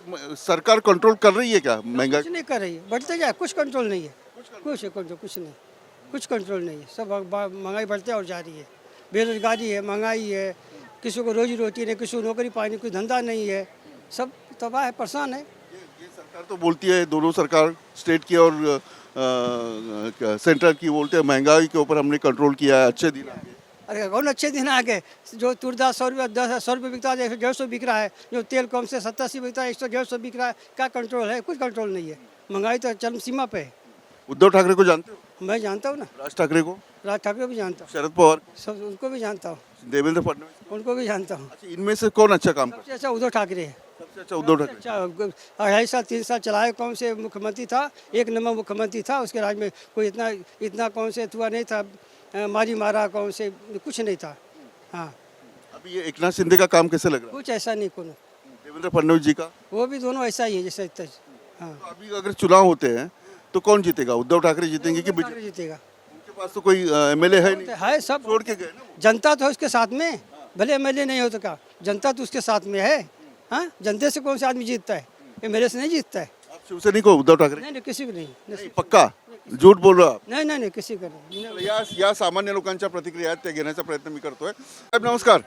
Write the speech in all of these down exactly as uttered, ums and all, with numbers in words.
म- सरकार कंट्रोल कर रही है क्या महंगाई? कुछ नहीं कर रही है, बढ़ते जाए, कुछ कंट्रोल नहीं है, कुछ कंट्रोल कुछ नहीं, कुछ कंट्रोल नहीं है, सब बा- महंगाई बढ़ते और जा रही है, बेरोजगारी है, महंगाई है, किसी को रोजी रोटी नहीं, किसी को नौकरी पानी, कोई धंधा नहीं है, सब तबाह है, परेशान है। ये सरकार तो बोलती है, दोनों सरकार स्टेट की और अ, अ, सेंट्रल की बोलते हैं महंगाई के ऊपर हमने कंट्रोल किया है, अच्छे दिन आ गए। अरे कौन अच्छे दिन आ गए, जो तुरदास सौ रुपये दस सौ रुपये बिकता है, एक सौ डेढ़ सौ बिक रहा है, जो तेल कम से सत्तर अस्सी बिकता है, एक सौ डेढ़ सौ बिक रहा है, क्या कंट्रोल है? कुछ कंट्रोल नहीं है, महंगाई तो चरम सीमा पे है। उद्धव ठाकरे को जानते हो? मैं जानता हूँ ना, राज ठाकरे को? राज ठाकरे को भी जानता हूँ, शरद पवार? सब उनको भी जानता हूँ, देवेंद्र फडणवीस? उनको भी जानता हूँ। अच्छा, इनमें से कौन अच्छा काम करता सबसे अच्छा उद्धव ठाकरे है। है? सबसे अच्छा उद्धव ठाकरे। अच्छा अढ़ाई साल तीन साल चलाए, कौन से मुख्यमंत्री था, एक नंबर मुख्यमंत्री था, उसके राज में कोई इतना इतना कौन से हुआ नहीं था, अ, मारी मारा कौन से कुछ नहीं था। हाँ, अभी ये एकनाथ शिंदे का काम कैसे लग रहा कुछ ऐसा नहीं कोनो, है? देवेंद्र फडणवीस जी का? वो भी दोनों ऐसा ही है जैसे इतना। हाँ, तो अभी अगर चुनाव होते हैं तो कौन जीतेगा? उद्धव ठाकरे जीतेंगे कि बीजेपी? ठाकरे जीतेगा। उनके पास तो कोई एमएलए है नहीं, तो है सब, छोड़ के गए ना वो। जनता तो है उसके साथ में, भले एमएलए नहीं हो तो क्या, जनता तो उसके साथ में है। हाँ, जनता से कौन सा आदमी जीतता है? एमएलए से नहीं जीतता है। आप शिवसैनिक हो उद्धव ठाकरे? नहीं नहीं, किसी को नहीं, नाही, पक्का झूठ बोल रहा आप? नहीं नहीं नहीं, किसी को नहीं। या या सामान्य लोकांच्या प्रतिक्रिया आहेत त्या घेण्याचा प्रयत्न मी करतोय. साहेब नमस्कार.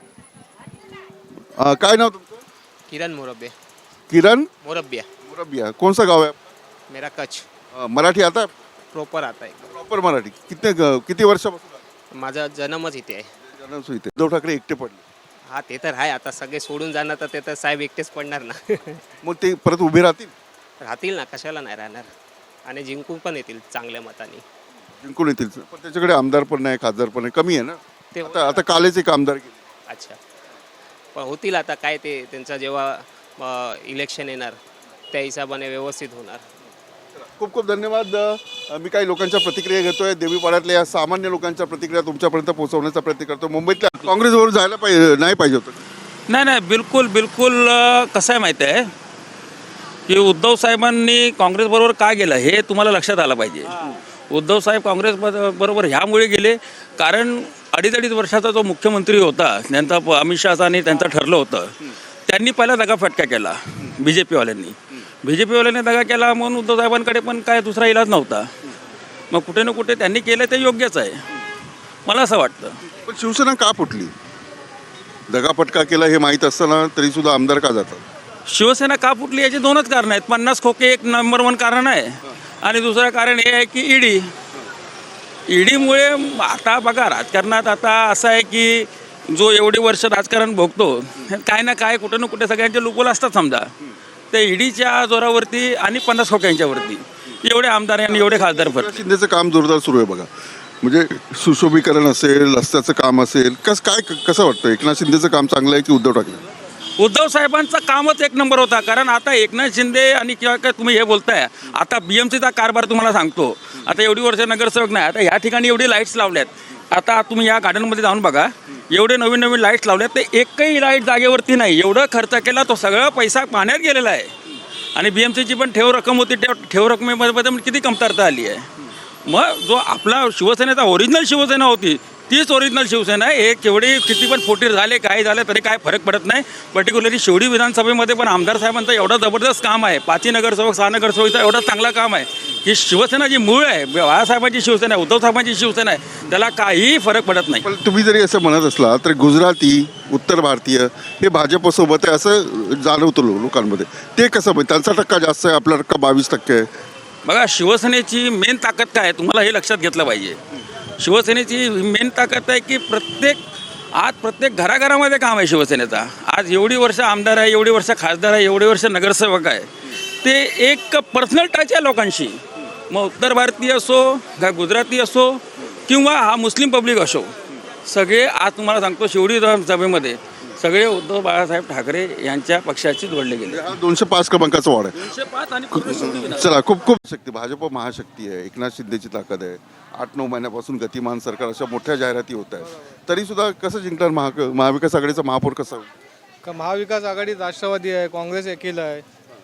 अं, काय नाव तुमचं? किरण मोरब्बे किरण मोरब्बिया मुरबिया. कौन सा गाव है? मेरा कच्छ अं, मराठी आता है? प्रॉपर आता है. प्रॉपर मराठी. कितने किती वर्षापासून आहे? माझा जन्मच इथे आहे. जन्म सुईते. उद्धव ठाकरे एकटे पडले, हा ते तर आहे. आता सगळे सोडून जाणार तर ते तर साहेब एकटेच पडणार ना. मग ते परत उभे राहतील? राहतील ना, कशाला नाही राहणार, आणि जिंकून पण येतील चांगल्या मताने. जिंकून येतील. पण त्याच्याकडे आमदार पण नाही, खासदार पण नाही, कमी आहे ना. ते आता आता कालेच एक आमदार गेले. अच्छा, पण होतील आता काय, ते त्यांचा जेव्हा इलेक्शन येणार त्या हिशोबाने व्यवस्थित होणार. खूप खूप धन्यवाद. अं, मी काही लोकांच्या प्रतिक्रिया घेतोय. देवीपाड्यातल्या या सामान्य लोकांच्या प्रतिक्रिया तुमच्यापर्यंत पोहोचवण्याचा प्रयत्न करतो. मुंबईतल्या काँग्रेसवर जायला पाहिजे नाही पाहिजे होतं? नाही नाही, बिलकुल बिलकुल. अ, कसं आहे माहिती आहे की उद्धव साहेबांनी काँग्रेसबरोबर का गेलं हे तुम्हाला लक्षात आलं पाहिजे. उद्धव साहेब काँग्रेस ब- बरोबर ह्यामुळे गेले कारण अडीच अडीच वर्षाचा जो मुख्यमंत्री होता त्यांचा प- अमित शहाचा आणि त्यांचं ठरलं होतं, त्यांनी पहिला दगाफटका केला बी जे पीवाल्यांनी. बी जे पीवाल्यांनी दगा केला म्हणून उद्धव साहेबांकडे पण काय दुसरा इलाज नव्हता. मग कुठे ना कुठे त्यांनी केलं ते योग्यच आहे, मला असं वाटतं. पण शिवसेना का फुटली? दगापटका केला हे माहीत असताना तरी सुद्धा आमदार का जातात? शिवसेना का फुटली याची दोनच कारण आहेत. पन्नास खोके एक नंबर वन कारण आहे, आणि दुसरं कारण हे आहे की ईडी. ईडीमुळे आता बघा राजकारणात आता असं आहे की जो एवढी वर्ष राजकारण भोगतो, काय ना काय कुठे ना कुठे सगळ्यांचे लुपोल असतात समजा. ते ईडीच्या जोरावरती आणि पन्नास खोक्यांच्यावरती एवढे आमदार आणि एवढे खासदार फरक. एकनाथ शिंदेचं काम जोरदार सुरू आहे बघा. म्हणजे सुशोभीकरण असेल, रस्त्याचं काम असेल, कस काय कसं वाटतं? एकनाथ शिंदेचं काम चांगलं आहे की उद्धव ठाकरे? उद्धव साहेबांचं कामच एक नंबर होता. कारण आता एकनाथ शिंदे आणि किंवा काय तुम्ही हे बोलताय, आता बी एम सीचा कारभार तुम्हाला सांगतो. आता एवढी वर्ष नगरसेवक नाही, आता ह्या ठिकाणी एवढी लाईट्स लावल्यात. आता तुम्ही या गार्डनमध्ये जाऊन बघा, एवढे नवीन नवीन लाईट्स लावल्यात, ते एकही लाईट जागेवरती नाही. एवढं खर्च केला, तो सगळा पैसा पाण्यात गेलेला आहे. आणि बी एम सीची पण ठेव रक्कम होती, ठेव ठेव रकमेमध्ये पण किती कमतरता आली आहे. मग जो आपला शिवसेनेचा ओरिजिनल शिवसेना होती तीच ओरिजिनल शिवसेना आहे. हे केवढी किती पण फुटीर झाले, काय झाले तरी काय फरक पडत नाही. पर्टिक्युलरली शिवडी विधानसभेमध्ये पण आमदार साहेबांचं एवढं जबरदस्त काम आहे, पाचही नगरसेवक सहा नगरसेवकचं एवढं चांगलं काम आहे की शिवसेना जी मूळ आहे, बाळासाहेबांची शिवसेना आहे, उद्धव साहेबांची शिवसेना आहे, त्याला काहीही फरक पडत नाही. पण तुम्ही जरी असं म्हणत असला तर गुजराती, उत्तर भारतीय हे भाजपसोबत आहे असं जाणवतं लो- लोकांमध्ये. ते कसं म्हणजे त्यांचा टक्का जास्त आहे, आपला टक्का बावीस टक्के आहे. बघा, शिवसेनेची मेन ताकद काय आहे तुम्हाला हे लक्षात घेतलं पाहिजे. शिवसेनेची मेन ताकद आहे की प्रत्येक आज प्रत्येक घराघरामध्ये काम आहे शिवसेनेचा. आज एवढी वर्ष आमदार आहे, एवढी वर्ष खासदार आहे, एवढी वर्ष नगरसेवक आहे, ते एक पर्सनल टच आहे लोकांशी. मग उत्तर भारतीय असो, का गुजराती असो, किंवा हा मुस्लिम पब्लिक असो, सगळे आज तुम्हाला सांगतो शिवडी विधानसभेमध्ये सगळे उद्धव बाळासाहेब ठाकरे यांच्या पक्षाशी जोडले गेले. हा दोनशे पाच क्रमांकाचा वाढ आहे. दोनशे पाच आणि पूर्ण शिवडी विधानसभा. चला, खूप खूप शक्ती. भाजप महाशक्ती आहे, एकनाथ शिंदेची ताकद आहे. आठ नऊ महिन्यापासून गतिमान सरकार, अशा मोठ्या जाहिराती होत आहेत. तरी सुद्धा कसं जिंकणार महा महाविकास आघाडीचा महापौर कसा होईल? का महाविकास आघाडी राष्ट्रवादी आहे, काँग्रेस एकील आहे,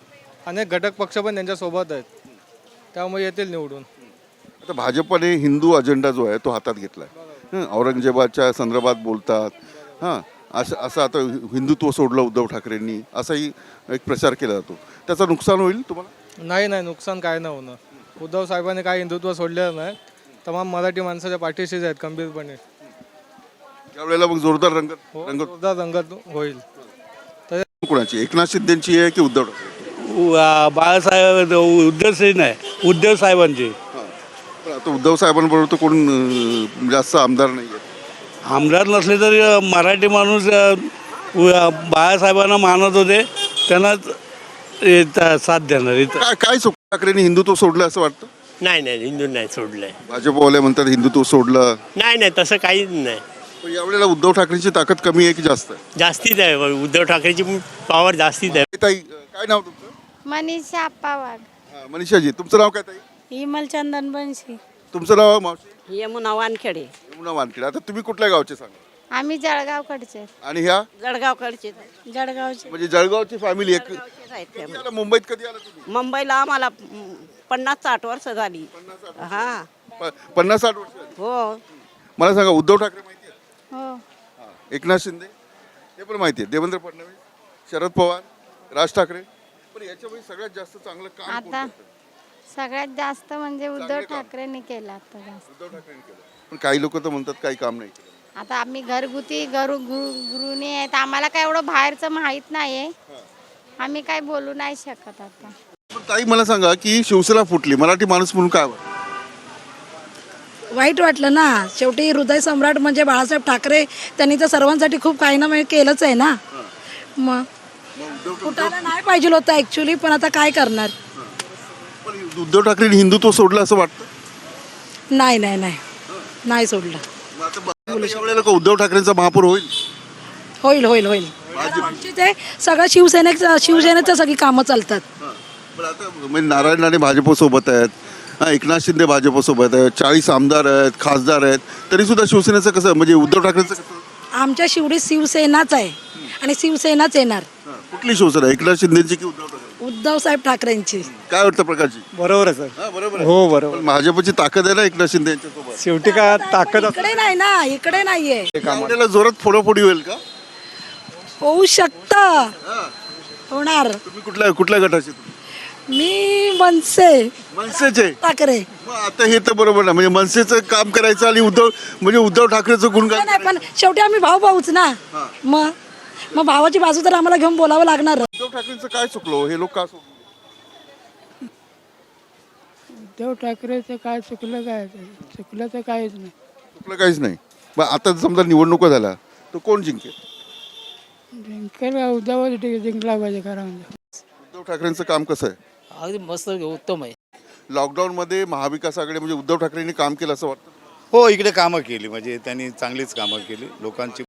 अनेक घटक पक्ष पण त्यांच्यासोबत आहेत, त्यामुळे येतील निवडून. आता भाजपने हिंदू अजेंडा जो आहे तो हातात घेतला आहे. औरंगजेबाच्या संदर्भात बोलतात. हां, असं असं आता हिंदुत्व सोडलं उद्धव ठाकरेंनी असाही एक प्रचार केला जातो. त्याचं नुकसान होईल तुम्हाला? नाही नाही नुकसान काय नाही होणं. उद्धव साहेबांनी काय हिंदुत्व सोडलेलं नाही. तमाम मराठी माणसाच्या पाठीशीच आहेत खंबीरपणे. त्यावेळेला मग जोरदार रंगत हो, रंगत जोरदार रंगत होईल. कोणाची, एकनाथ शिंदेची आहे की उद्धव ठाकरे? बाळासाहेब उद्धव नाही उद्धव साहेबांचे. हां. पण आता उद्धव साहेबांबरोबर तर कोण अं, जास्त आमदार नाही आहेत. आमदार नसले तरी मराठी माणूस अ, उ- बाळासाहेबांना मानत होते, त्यांनाच हे त- साथ देणार इथं. काय काय चुक ठाकरेंनी हिंदुत्व सोडलं असं वाटतं? नाही नाही हिंदू नाही सोडलंय. भाजपवाले म्हणतात हिंदुत्व सोडलं. नाही नाही तसं काहीच नाही. पण यावेळेला उद्धव ठाकरेंची ताकद कमी आहे की जास्त आहे? जास्तीच आहे उद्धव ठाकरेची पॉवर जास्तीच आहे. ताई, काय नाव तुमचं? मनीषा आप्पा वाघ. हां, मनीषाजी, तुमचं नाव काय ताई? इमल चंदन बनशी. तुमचं नाव आहे मावशी? यमुना वानखेडे. यमुना वानखेडे. आता तुम्ही कुठल्या गावचे सांगा? आम्ही जळगावकडचे. आणि ह्या जळगावकडचे जळगावचे. म्हणजे जळगावची फॅमिली एक. आहेत ते. कधी आला मुंबईत, कधी आला तुम्ही? मुंबईला आम्हाला म, पन्नास साठ वर्ष झाली. हा प- पन्नास साठ वर्ष झाली. हो. मला सांगा, उद्धव ठाकरे माहिती आहे? हो. हां. एकनाथ शिंदे ते पण माहिती आहे. देवेंद्र फडणवीस, शरद पवार, राज ठाकरे. पण याच्यामध्ये सगळ्यात जास्त चांगलं काम कोण आता करतं? सगळ्यात जास्त म्हणजे उद्धव चांगलं काम. ठाकरेंनी केलं आता जास्त. उद्धव ठाकरेंनी केलं. पण काही लोक तर म्हणतात काही काम नाही केलं. आता आम्ही घरगुती घरू गृ- गृहिणी आहेत, आम्हाला काय एवढं बाहेरचं माहीत नाही आहे. आम्ही काय बोलू नाही शकत आता. पण ताई, मला सांगा की शिवसेना फुटली, मराठी माणूस म्हणून काय वाटतं? वाईट वाटलं ना. शेवटी हृदय सम्राट म्हणजे बाळासाहेब ठाकरे, त्यांनी तर सर्वांसाठी खूप काही ना काही केलंच आहे ना. मग फुटायला नाही पाहिजे होतं ॲक्च्युली, पण आता काय करणार. पण उद्धव ठाकरेंनी हिंदुत्व सोडलं असं वाटतं? नाही नाही नाही नाही सोडलं. मग आता ब- आता यावेळेला का उद्धव ठाकरेंचा महापौर होईल? होईल होईल होईल. आमची ते सगळं शिवसेनेच शिवसेनेचं सगळी कामं चालतात. पण आता म्हणजे नारायण राणे भाजपसोबत आहेत, हां, एकनाथ शिंदे भाजपसोबत आहेत, चाळीस आमदार आहेत, खासदार आहेत, तरी सुद्धा शिवसेनेचं कसं, म्हणजे उद्धव ठाकरेंचं कसं? आमच्या शिवडी शिवसेनाच आहे आणि शिवसेनाच येणार. हां, कुठली शिवसेना, एकनाथ शिंदेची की उद्धव ठाकरे? उद्धव साहेब ठाकरेंची. काय वाटतं प्रकारची? बरोबर आहे सर. हां, बरोबर आहे. हो बरोबर. पण भाजपची ताकद आहे ना एकनाथ शिंदे यांच्यासोबत. शेवटी काय ताकद इकडे नाही ना, इकडे नाहीये. यावेळेला जोरात फोडाफोडी होईल का? होऊ शकतं, हां. होणार. तुम्ही कुठल्या कुठल्या गटाचे तुम्ही? मी मनसे मनसेचे. ठाकरे. मग आता हे तर बरोबर ना, म्हणजे मनसेचं काम करायचं आणि उद्धव म्हणजे उद्धव ठाकरेचं गुणगान नाही पण शेवटी आम्ही भाऊ भाऊच ना. मग मग भावाची बाजू तर आम्हाला घेऊन बोलावं लागणार. उद्धव ठाकरेंचं काय चुकलो, हे लोक का सोडले? उद्धव ठाकरेचं काय चुकलं काय चुकलं तर काहीच नाही. चुकलं काहीच नाही. मग आता समजा निवडणुका झाल्या तर कोण जिंकेल? जिंकेल उद्धवच जिंकला पाहिजे खरं म्हणजे. उद्धव ठाकरेंचं काम कसं आहे? अगदी मस्त उत्तम आहे. लॉकडाऊनमध्ये महाविकास आघाडी म्हणजे उद्धव ठाकरेंनी काम केलं असं वाटतं? हो, इकडे कामं केली, म्हणजे त्यांनी चांगलीच कामं केली. लोकांची